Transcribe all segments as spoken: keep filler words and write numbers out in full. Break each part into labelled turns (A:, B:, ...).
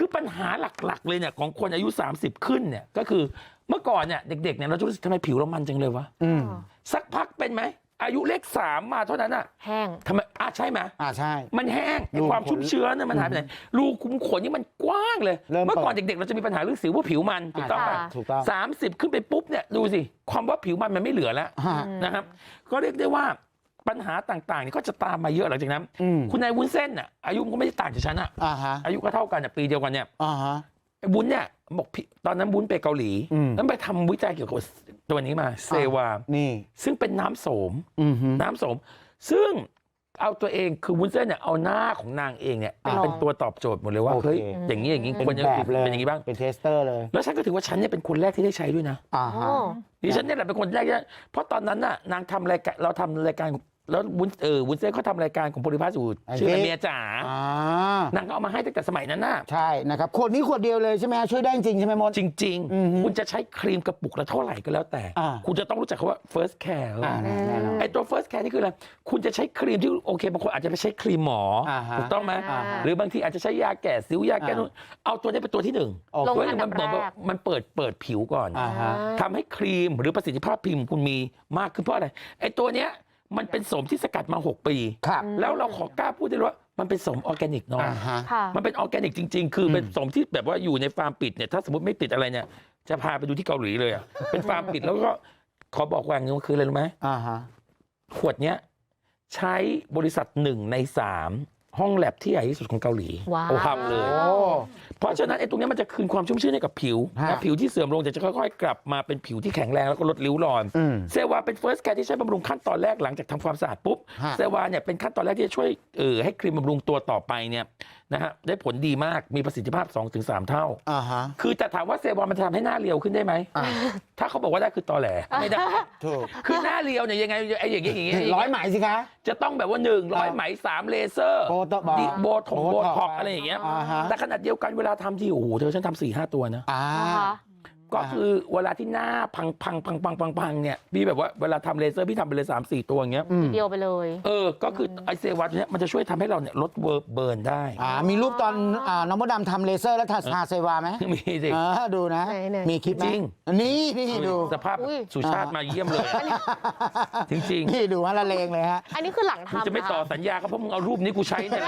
A: ปัญหาหลักๆเลยเนี่ยของคนอายุสามสิบขึ้นเนี่ยก็คือเมื่อก่อนเนี่ยเด็กๆเนี่ยเราจะรู้สึกทำไมผิวเรามันจังเลยวะสักพักเป็นไหมอายุเลขสามมาเท่านั้นอ่ะ
B: แห้ง
A: ทำไมอ่ะใช่ไหม
C: อ่าใช่
A: มันแห้งไอ้ความชุ่มเชื้อเนี่ยมันหายไปไหนรูขุมขนนี่มันกว้างเลยเมื่อก่อนเด็กๆเราจะมีปัญหาเรื่องสิวว่าผิวมันถูกต้องป่ะ
C: ถูกต้อง
A: สามสิบขึ้นไปปุ๊บเนี่ยดูสิความว่าผิวมันมันไม่เหลือแล้วนะครับก็เรียกได้ว่าปัญหาต่างๆนี่ก็จะตามมาเยอะหลังจากนั้นคุณนายวุ้นเส้นอ่ะอายุมันก็ไม่ได้ต่างจากฉันอ่ะอายุก็เท่ากันอ่ะปีเดียวกันเนี่ยไอ้วุ้นเนี่ยบอกตอนนั้นวุ้นไปเกาหลีแล้วไปทำวิจัยเกี่ยวกับตัวนี้มาเซวา
C: นี่
A: ซึ่งเป็นน้ำโสมน้ำโสมซึ่งเอาตัวเองคือวุ้นเส้นเนี่ยเอาหน้าของนางเองเนี่ยเป็นตัวตอบโจทย์หมดเลยว่าเฮ้ยอย่างนี้อย่างนี้ควรจะเป็นอย่างนี้บ้าง
C: เป็นเทสเตอร์เลย
A: แล้วฉันก็ถือว่าฉันเนี่ยเป็นคนแรกที่ได้ใช้ด้วยนะดิฉันเนี่ยแหละเป็นคนแรกเพราะตอนนั้นน่ะนางทำรายการเราทำรายการแล้ววุ้นเออวุ้นเส้นเขาทำรายการของโพลิพัสอยู่ชื่อเมียจ๋านางก็เอามาให้ตั้งแต่สมัยนั้นน่ะ
C: ใช่นะครับขวดนี้ขวดเดียวเลยใช่ไหมช่วยได้จริงใช่ไหมมด
A: จริงๆคุณจะใช้ครีมกระปุกละเท่าไหร่ก็แล้วแต่คุณจะต้องรู้จักคำว่า first care ไอตัว first care นี่คืออะไรคุณจะใช้ครีมที่โอเคบางคนอาจจะไปใช้ครีมหมอถูกต้องไหมหรือบางทีอาจจะใช้ยาแก้สิวยาแก้นู่นเอาตัวนี้เป็นตัวที่หนึ่งตัวนี้มันเปิดมันเปิดเปิดผิวก่อนทำให้ครีมหรือประสิทธิภาพพิมพ์คุณมีมากขึ้นเพราะอะไรไอตัวเนี้ยมันเป็นโสมที่สกัดมาหกปีแล้วเราขอกล้าพูดได้ว่ามันเป็นโสมออร์แกนิกเนาะมันเป็นออร์แกนิกจริงๆคือเป็นโสมที่แบบว่าอยู่ในฟาร์มปิดเนี่ยถ้าสมมติไม่ติดอะไรเนี่ยจะพาไปดูที่เกาหลีเลยอ่ะเป็นฟาร์มปิดแล้วก็ขอบอกว่าอย่างนึงคืออะไรรู้ไหมขวดเนี้ยใช้บริษัทหนึ่งในสามห้องแลบที่ใหญ่ที่สุดของเกาหลีทำเลยเพราะฉะนั้นไอ้ตรงนี้มันจะคืนความชุ่มชื้นให้กับผิวนะผิวที่เสื่อมลงจะค่อยๆกลับมาเป็นผิวที่แข็งแรงแล้วก็ลดริ้วรอยเซวาเป็นเฟิร์สแคร์ที่ใช้บำรุงขั้นตอนแรกหลังจากทำความสะอาดปุ๊บเซวาเนี่ยเป็นขั้นตอนแรกที่จะช่วยเออให้ครีมบำรุงตัวต่อไปเนี่ยนะฮะได้ผลดีมากมีประสิทธิภาพ สองถึงสาม เท่าคือแต่ถามว่าเซวามันจะทำให้หน้าเรียวขึ้นได้ไหมถ้าเขาบอกว่าได้คือตอแหลไม่ได้คือหน้าเรียวเนี่ยยังไงไอ้อย่างเงี้ยอย่างเงี้ย
C: ร้อยไหมสิคะ
A: จะต้องแบบว่าหนึ่งร้อยไหมสามเลเซอร์โบทงโบท็อกอะไรอย่างเงี้ยแต่ขนาดเดียวกันเวลาทำที่โอ้โหเธอฉันทำสี่ห้าตัวนะก็คือเวลาที่หน้าพังพังพังพังพังพังเนี่ยพี่แบบว่าเวลาทำเลเซอร์พี่ทำไปเลยสามสี่ตัวอย่างเงี้ย
B: เดียวไปเลย
A: เออก็คือไอเซวัตเนี่ยมันจะช่วยทำให้เราเนี่ยลดเบิร์นได้
C: อ่ามีรูปตอนอ่าน้องมดดำทำเลเซอร์แล้วทาเซวาไหม
A: มีสิ
C: ดูนะมีคลิป
A: จริง
C: นี่นี่ดู
A: สภาพสุชาติมาเยี่ยมเลยจริง
C: ๆนี่ดูฮะละเลงเลยฮะ
B: อันนี้คือหลังทำ
A: จะไม่ต่อสัญญาก็เพราะมึงเอารูปนี้กูใช้เนี่ย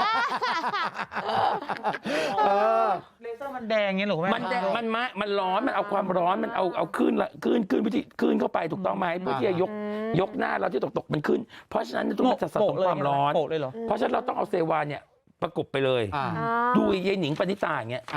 D: เลเซอร์มันแดงเงี้ยหรอแม่
A: มันแดงมันมามันร้อนมันเอาความร้อนมันเอาเอาขึ้นละขึ้นขึ้นวิธีขึ้นเข้าไปถูกต้องไหมเพื่อที่จะยกยกหน้าเราที่ตกตกมันขึ้นเพราะฉะนั้นต้องสะสมความร้อนเพราะฉะนั้นเราต้องเอาเซวาเนี่ยประกบไปเลยดูยายหนิงปณิตาอย่างเงี้ย